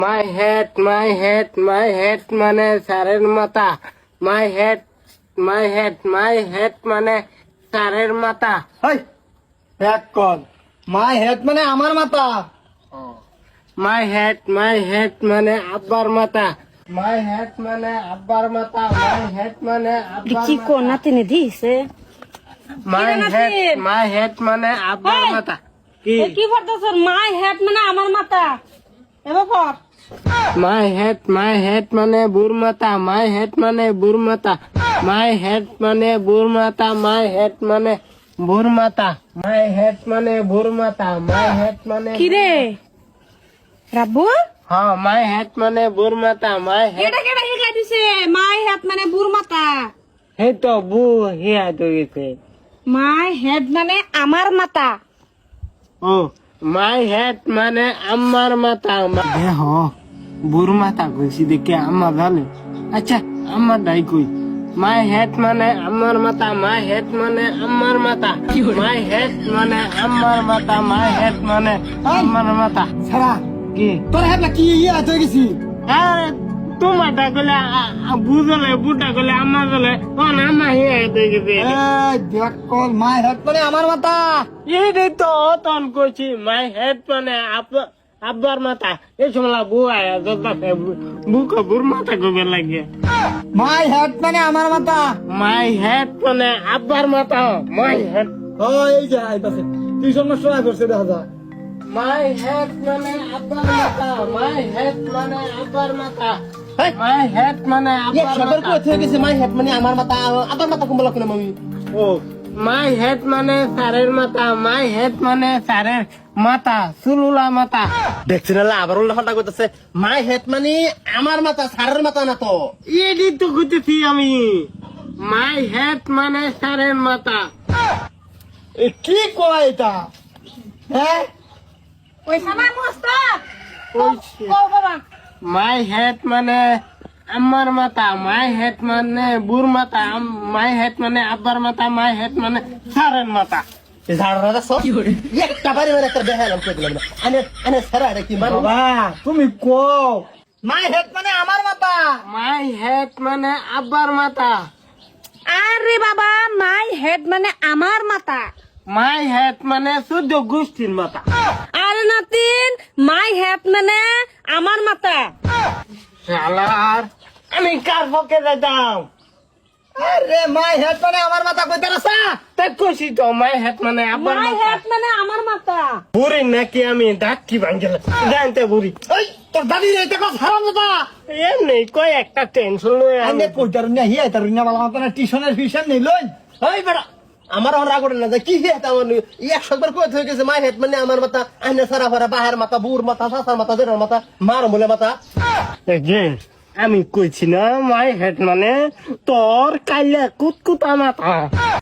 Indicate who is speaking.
Speaker 1: My head মানে স্যারের মাথা। মাই হেড মানে স্যারের মাথা।
Speaker 2: হাই এক কল মাই হেড মানে আমার মাথা।
Speaker 1: মাই হেড মানে আব্বার মাথা। মাই হেড মানে আব্বার মাথা। মাই হেড মানে আব্বার
Speaker 3: কি কোন
Speaker 1: মাথা।
Speaker 3: নাতিনে দিছে
Speaker 1: মাই হেড মানে আব্বার
Speaker 3: হেই!
Speaker 1: মাথা। কি
Speaker 3: কি করতেছ? মাই হেড মানে আমার মাথা। এবার পর
Speaker 1: মাই হেড মানে বুর মাথা। মাই হেড মানে বুর মাথা। মাই হেড মানে বুর মাথা। মাই হেড মানে বুর মাথা। মাই হেড মানে বুর মাথা। মাই হেড মানে
Speaker 3: কি রে রাব্বু?
Speaker 1: হ্যাঁ মাই হেড মানে বুর মাথা। মাই হেড
Speaker 3: এটা কেডা শিখাই দিছে? মাই হেড মানে বুর মাথা।
Speaker 1: এই তো বু হিয়া তো গেছে।
Speaker 3: মাই হেড মানে আমার মাথা।
Speaker 1: ও মাই হেড মানে আমার মাথা। দেহ বুর মাথা কইছি দেখে আম্মা জানে। আচ্ছা আমার ডাই কই। মাই হেড মানে আমার মাথা। মাই হেড মানে আমার মাথা। মাই হেড মানে আমার মাথা। মাই হেড মানে আমার মাথা।
Speaker 2: ছাড়া
Speaker 1: কি
Speaker 2: তোর হেড না কি ইয়ে হয়ে গেছি।
Speaker 1: আরে তোমারটা গলে বুঝলে বুটা গলে আমার গলে আমা হিয়া হয়ে গেছে।
Speaker 2: দেখ কল মাই হেড মানে আমার মাথা।
Speaker 1: এই তো তখন কইছি মাই হেড মানে আব্বার মাথা। এই সময় বউ আয়া বুক বুর মাথা গোবে লাগে।
Speaker 2: মাই হেড মানে আমার মাথা।
Speaker 1: মাই হেড মানে আব্বার মাথা। মাই হেড
Speaker 2: ও এই যে আইতাছে টিউশন মাস্টার আই করছে দেখা যা।
Speaker 1: মাই হেড মানে আব্বার মাথা। মাই হেড মানে আব্বার মাথা। মাই হেড মানে আব্বার মাথা।
Speaker 2: হয়ে গেছে মাই হেড মানে আমার মাথা। আবার মাথা কম বলা আমি।
Speaker 1: ও মাই হেড মানে স্যারের মাথা। মাই হেড মানে স্যারের মাথা চুলুলা মাথা।
Speaker 2: দেখছি না আবার উল্টা করতেছে। মাই হেড মানে আমার মাথা সারের মাথা না তো।
Speaker 1: এডি তো কইতেছি আমি। মাই হেড মানে স্যারের মাথা।
Speaker 2: এ কি কয় এটা? হ্যাঁ
Speaker 3: ওই সামাই মোস্তাক
Speaker 1: কইছে।
Speaker 3: কও বাবা।
Speaker 1: মাই হেড মানে আমার মাথা। মাই হেড মানে বুর মাথা। মাই হেড মানে আব্বার মাথা। মাই হেড মানে স্যারের মাথা।
Speaker 2: একটা বাড়ি মানে একটা দেখালাম করে দিলাম না। আনে সারা কি মানে বাবা তুমি কও মাই হেড মানে আমার মাথা।
Speaker 1: মাই হেড মানে আব্বার মাথা।
Speaker 3: আরে বাবা মাই হেড মানে আমার মাথা।
Speaker 1: মাই হেড মানে 14 গোষ্ঠীর মাথা।
Speaker 3: আরে নাতিন মাই হেড মানে আমার মাথা।
Speaker 1: শালার আমি কার পক্ষে যাইতাম?
Speaker 2: আরে মাই হেড মানে আমার মাথা কইতে রাসা।
Speaker 1: তাই কইছি তো মাই হেড মানে আব্বার
Speaker 3: মাই
Speaker 1: মাথা।
Speaker 3: হেড মানে আমার মাথা।
Speaker 1: বুড়ি নাকি আমি ডাকি ভাঙ্গেল জানতে বুড়ি।
Speaker 2: ওই তোর দাদি এটা কস হারাম দাদা।
Speaker 1: এমনি কয় একটা টেনশন লই
Speaker 2: আনে কইতার না হিয়া তার না বালা মাথা না টিউশনের ফিশন নেই লই। ওই বেটা আমার আর রাগ না যায় কি হে তা মানে 100 বার কইতে হয়ে গেছে মাই হেড মানে আমার মাথা। আনে সারা ভরা বাহার মাথা বুর মাথা সাসার মাথা জেরার মাথা মার বলে মাথা।
Speaker 1: যে আমি কইছি না মাই হেড মানে তোর কাইলে কুতকুতা মাথা।